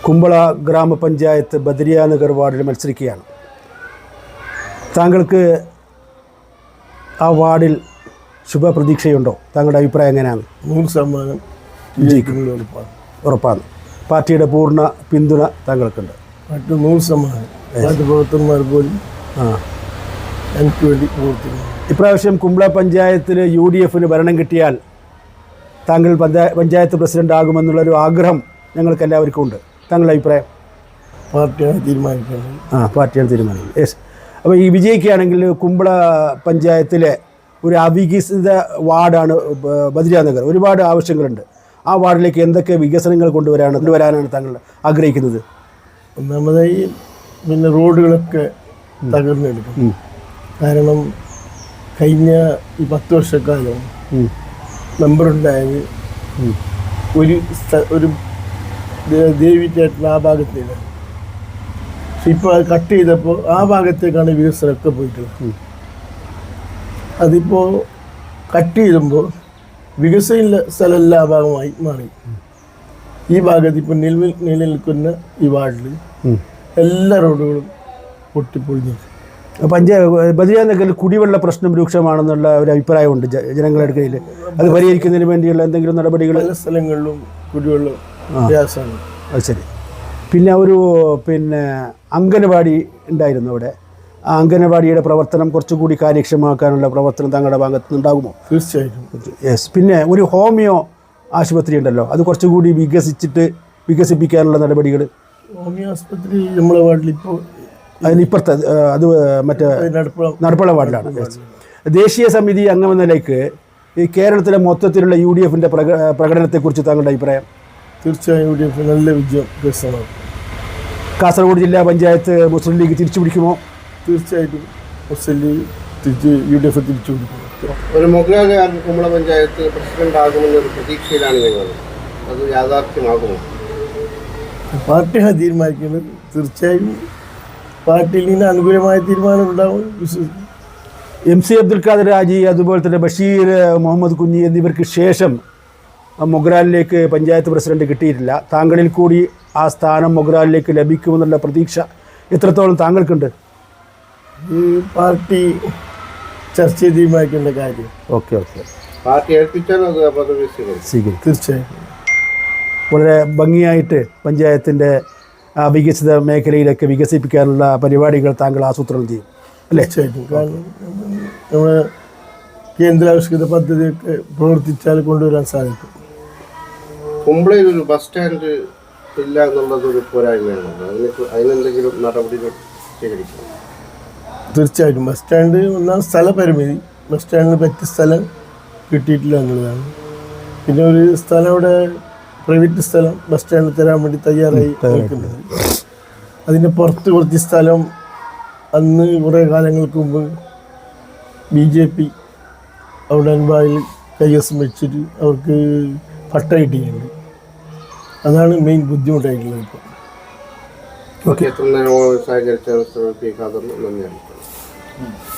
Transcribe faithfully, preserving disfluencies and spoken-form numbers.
കുമ്പള ഗ്രാമപഞ്ചായത്ത് ബദരിയാനഗർ വാർഡിൽ മത്സരിക്കുകയാണ്. താങ്കൾക്ക് ആ വാർഡിൽ ശുഭപ്രതീക്ഷയുണ്ടോ? താങ്കളുടെ അഭിപ്രായം എങ്ങനെയാണ്? നൂറ് ശതമാനം വിജയിക്കുന്നത് ഉറപ്പാണ്. ഉറപ്പാണ്. പാർട്ടിയുടെ പൂർണ്ണ പിന്തുണ താങ്കൾക്കുണ്ട്? മറ്റു നൂറ് ശതമാനം പാർട്ടി പ്രവർത്തകന്മാർ പോലും ആ എനിക്ക് വേണ്ടി പ്രവർത്തിക്കുന്നു. ഇപ്രാവശ്യം കുമ്പള പഞ്ചായത്തിൽ യു ഡി എഫിന് ഭരണം കിട്ടിയാൽ താങ്കൾ പഞ്ചായത്ത് പ്രസിഡന്റ് ആകുമെന്നുള്ളൊരു ആഗ്രഹം ഞങ്ങൾക്ക് എല്ലാവർക്കും ഉണ്ട്. താങ്കളുടെ അഭിപ്രായം? പാർട്ടിയാണ് തീരുമാനിക്കുന്നത്. ആ പാർട്ടിയാണ് തീരുമാനിക്കുന്നത്. യെസ്. അപ്പോൾ ഈ വിജയിക്കുകയാണെങ്കിൽ കുമ്പള പഞ്ചായത്തിലെ ഒരു അവികസിത വാർഡാണ് ബദരിയാനഗർ. ഒരുപാട് ആവശ്യങ്ങളുണ്ട്. ആ വാർഡിലേക്ക് എന്തൊക്കെ വികസനങ്ങൾ കൊണ്ടുവരാണ് കൊണ്ടുവരാനാണ് താങ്കൾ ആഗ്രഹിക്കുന്നത്? ഒന്നാമതായി പിന്നെ റോഡുകളൊക്കെ തകർന്നെടുക്കും. കാരണം കഴിഞ്ഞ ഈ പത്ത് വർഷക്കാലം നമ്പറുണ്ടായത് ഒരു ഒരു ദേവി തിയേറ്റർ ആ ഭാഗത്തേക്ക്. പക്ഷെ ഇപ്പോൾ അത് കട്ട് ചെയ്തപ്പോൾ ആ ഭാഗത്തേക്കാണ് വികസനമൊക്കെ പോയിട്ടുള്ളത്. അതിപ്പോൾ കട്ട് ചെയ്യുമ്പോൾ വികസന സ്ഥലമെല്ലാം ആ ഭാഗമായി മാറി. ഈ ഭാഗത്ത് ഇപ്പോൾ നിലവിൽ നിലനിൽക്കുന്ന ഈ വാർഡിൽ എല്ലാ റോഡുകളും പൊട്ടിപ്പൊളിഞ്ഞു. പഞ്ചായത്ത് ബദരിയാനഗറിൽ കുടിവെള്ള പ്രശ്നം രൂക്ഷമാണെന്നുള്ള ഒരു അഭിപ്രായമുണ്ട് ജനങ്ങളുടെ ഇടയിൽ. അത് പരിഹരിക്കുന്നതിന് വേണ്ടിയുള്ള എന്തെങ്കിലും നടപടികൾ? പല സ്ഥലങ്ങളിലും കുടിവെള്ളം പ്രയാസമാണ്. അത് ശരി. പിന്നെ ഒരു പിന്നെ അംഗനവാടി ഉണ്ടായിരുന്നു അവിടെ. ആ അംഗനവാടിയുടെ പ്രവർത്തനം കുറച്ചുകൂടി കാര്യക്ഷമമാക്കാനുള്ള പ്രവർത്തനം താങ്കളുടെ ഭാഗത്ത് നിന്നുണ്ടാകുമോ? തീർച്ചയായിട്ടും. യെസ്. പിന്നെ ഒരു ഹോമിയോ ആശുപത്രി ഉണ്ടല്ലോ, അത് കുറച്ചുകൂടി വികസിച്ചിട്ട് വികസിപ്പിക്കാനുള്ള നടപടികൾ? ഹോമിയോ ആശുപത്രി നമ്മളെ വാർഡിൽ ഇപ്പോൾ അതിനിപ്പുറത്ത് അത് മറ്റേ നടപ്പുള വാർഡിലാണ്. ദേശീയ സമിതി അംഗമെന്ന നിലയ്ക്ക് ഈ കേരളത്തിലെ മൊത്തത്തിലുള്ള യു ഡി എഫിൻ്റെ പ്രക പ്രകടനത്തെക്കുറിച്ച് താങ്കളുടെ അഭിപ്രായം? തീർച്ചയായും യു ഡി എഫ് നല്ല വിജയം കരസ്ഥമാക്കും. കാസർഗോഡ് ജില്ലാ പഞ്ചായത്ത് മുസ്ലിം ലീഗ് തിരിച്ചു പിടിക്കുമോ? തീർച്ചയായിട്ടും മുസ്ലിം ലീഗ് തിരിച്ച് യു ഡി എഫ് തിരിച്ചു പിടിക്കും. ഒരു മുഗളകാരൻ കുമ്പള പഞ്ചായത്ത് പ്രസിഡന്റ് ആകുമെന്നൊരു പ്രതീക്ഷയിലാണ് ഞങ്ങൾ. അത് യാഥാർത്ഥ്യമാകുമോ? പാർട്ടിയാണ് തീരുമാനിക്കുന്നത്. തീർച്ചയായും പാർട്ടിയിൽ നിന്ന് അനുകൂലമായ തീരുമാനം ഉണ്ടാവും വിശ്വസിക്കും. എം സി അബ്ദുൽ ഖാദർ ഹാജി, അതുപോലെ തന്നെ ബഷീർ മുഹമ്മദ് കുഞ്ഞി എന്നിവർക്ക് ശേഷം മൊഗ്രാലിലേക്ക് പഞ്ചായത്ത് പ്രസിഡന്റ് കിട്ടിയിട്ടില്ല. താങ്കളിൽ കൂടി ആ സ്ഥാനം മൊഗ്രാലിലേക്ക് ലഭിക്കുമെന്നുള്ള പ്രതീക്ഷ എത്രത്തോളം താങ്കൾക്കുണ്ട്? ഈ പാർട്ടി ചർച്ച ചെയ്ത് തീരുമാനിക്കേണ്ട കാര്യം. ഓക്കെ ഓക്കെ പാർട്ടി ഏൽപ്പിച്ചാൽ അത് പദവി സ്വീകരിക്കും. തീർച്ചയായും വളരെ ഭംഗിയായിട്ട് പഞ്ചായത്തിൻ്റെ വികസിത മേഖലയിലൊക്കെ വികസിപ്പിക്കാനുള്ള പരിപാടികൾ താങ്കൾ ആസൂത്രണം ചെയ്യും അല്ലേ? തീർച്ചയായിട്ടും. കാരണം നമ്മുടെ കേന്ദ്രാവിഷ്കൃത പദ്ധതിയൊക്കെ പ്രവർത്തിച്ചാൽ കൊണ്ടുവരാൻ സാധിക്കും. കുമ്പളയിൽ ഒരു ബസ് സ്റ്റാൻഡ് ഇല്ല എന്നുള്ളത് ഒരു പോരായ്മയാണ്. അതിന് അതിനെന്തെങ്കിലും നടപടികൾ സ്വീകരിക്കണം. തീർച്ചയായിട്ടും. ബസ് സ്റ്റാൻഡ് ഒന്നാം സ്ഥലപരിമിതി, ബസ് സ്റ്റാൻഡിന് പറ്റിയ സ്ഥലം കിട്ടിയിട്ടില്ല എന്നുള്ളതാണ്. പിന്നെ ഒരു സ്ഥലം അവിടെ പ്രൈവറ്റ് സ്ഥലം ബസ് സ്റ്റാൻഡിൽ തരാൻ വേണ്ടി തയ്യാറായി നിൽക്കുന്നത്. അതിൻ്റെ പുറത്ത് കുറച്ച് സ്ഥലം അന്ന് കുറേ കാലങ്ങൾക്ക് മുമ്പ് ബി ജെ പി അവിടെ അൻപായിൽ കൈവശം വെച്ചിട്ട് അവർക്ക് പട്ട കിട്ടിയിട്ടുണ്ട്. അതാണ് മെയിൻ ബുദ്ധിമുട്ടായിട്ടുള്ളത്. ഇപ്പോൾ ഓക്കെ. എത്ര നേരം സഹകരിച്ച നന്ദിയാണ്.